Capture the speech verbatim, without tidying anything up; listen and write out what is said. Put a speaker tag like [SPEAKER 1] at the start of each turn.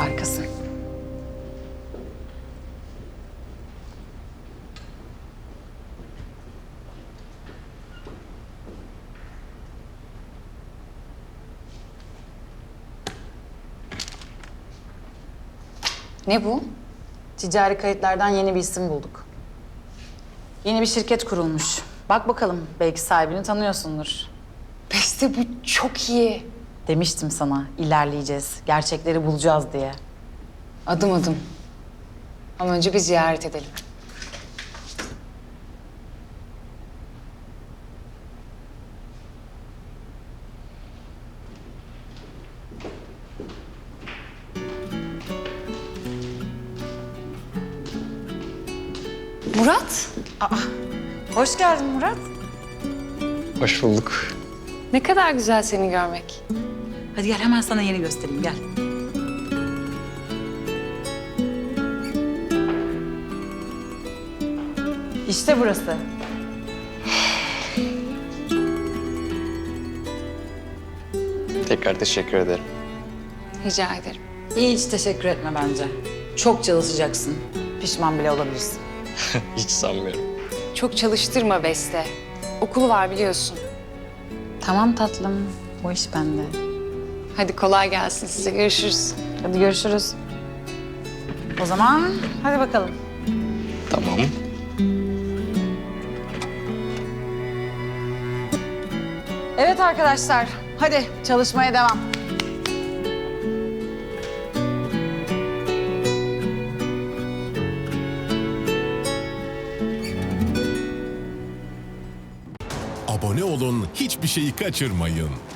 [SPEAKER 1] Harikasın. Ne bu? Ticari kayıtlardan yeni bir isim bulduk. Yeni bir şirket kurulmuş. Bak bakalım, belki sahibini tanıyorsundur.
[SPEAKER 2] Beste bu çok iyi.
[SPEAKER 1] Demiştim sana, ilerleyeceğiz, gerçekleri bulacağız diye.
[SPEAKER 2] Adım adım. Ama önce bir ziyaret edelim. Murat,
[SPEAKER 1] Hoş geldin Murat.
[SPEAKER 3] Hoş bulduk.
[SPEAKER 2] ne kadar güzel seni görmek.
[SPEAKER 1] Hadi gel, hemen sana yeni göstereyim, gel. İşte burası.
[SPEAKER 3] Tekrar teşekkür ederim.
[SPEAKER 2] Rica ederim.
[SPEAKER 1] Hiç teşekkür etme bence. Çok çalışacaksın. Pişman bile olabilirsin.
[SPEAKER 3] Hiç sanmıyorum.
[SPEAKER 2] Çok çalıştırma Beste. Okulu var biliyorsun.
[SPEAKER 1] Tamam tatlım, o iş bende.
[SPEAKER 2] Hadi kolay gelsin size. Görüşürüz.
[SPEAKER 1] Hadi görüşürüz. O zaman hadi bakalım.
[SPEAKER 3] Tamam.
[SPEAKER 1] Evet arkadaşlar, hadi çalışmaya devam.
[SPEAKER 4] Abone olun, hiçbir şeyi kaçırmayın.